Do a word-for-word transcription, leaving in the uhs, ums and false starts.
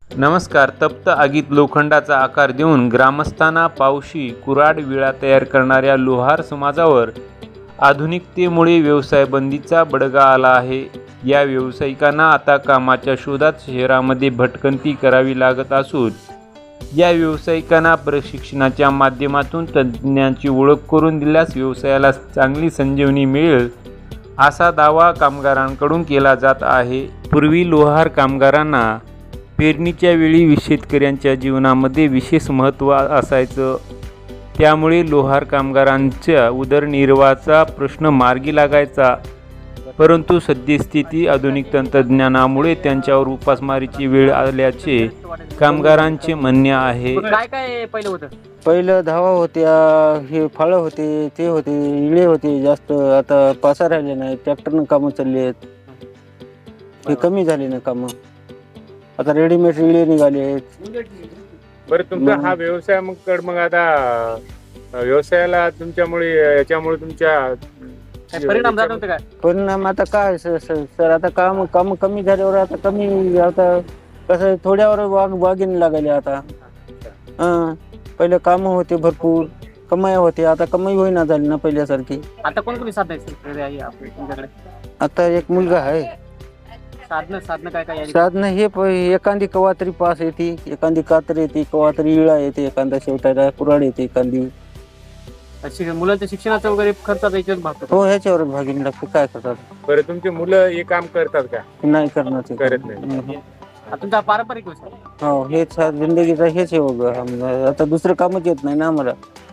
नमस्कार. तप्त आगीत लोखंडाचा आकार देऊन ग्रामस्थांना पावशी कुऱ्हाड विळा तयार करणाऱ्या लोहार समाजावर आधुनिकतेमुळे व्यवसाय बंदीचा बडगा आला आहे. या व्यावसायिकांना आता कामाच्या शोधात शहरामध्ये भटकंती करावी लागत असून या व्यावसायिकांना प्रशिक्षणाच्या माध्यमातून तज्ज्ञांची ओळख करून दिल्यास व्यवसायाला चांगली संजीवनी मिळेल असा दावा कामगारांकडून केला जात आहे. पूर्वी लोहार कामगारांना पेरणीच्या वेळी शेतकऱ्यांच्या जीवनामध्ये विशेष महत्त्व असायचं. त्यामुळे लोहार कामगारांच्या उदरनिर्वाहाचा प्रश्न मार्गी लागायचा. परंतु सद्यस्थिती आधुनिक तंत्रज्ञानामुळे त्यांच्यावर उपासमारीची वेळ आल्याचे कामगारांचे म्हणणे आहे. काय काय पहिलं होतं? पहिलं धावा होत्या, हे फळं होते, ते होते, इळे होते जास्त. आता पासा राहिले नाही, ट्रॅक्टरनं कामं चालली आहेत. हे कमी झाले ना कामं. आता रेडीमेड इळे निघाले आहेत. बरं, तुमचा हा व्यवसाय मग कड मग आता व्यवसायाला तुमच्यामुळे याच्यामुळे तुमच्या काय परिणाम झाला होता काय? परिणाम आता काय सर सर सर आता काम काम कमी झाल्यावर आता कमी, आता कसं थोड्यावर वाग वागिन लागायले आता. हां, पहिले कामं होते भरपूर, कमाई होते. आता कमाई होईना झाली ना पहिल्यासारखी. आता कोण कोणी साधन आहे आपल्या तुमच्याकडे? आता एक मुलगा आहे. साधनं साधनं काय काय आहे? साधनं हे प- एखादी कवा तरी पास येते, एखादी कातर येते, कवा तरी इळा येते, एखादा शेवटायला कुऱ्हाड येते, एखादी. शिक- मुलांच्या शिक्षणाचा वगैरे खर्चाचा याच्यावर भागतो. हो, ह्याच्यावर भागीन लागते. काय करतात? बरं, तुमची मुलं हे काम करतात का? नाही करणार ते. करत नाही. हम्म. हा तुमचा पारंपरिक व्यवसाय. हो, हेच हा जिंदगीचा हेच आहे बघ. आम्हाला आता दुसरं कामच येत नाही ना आम्हाला.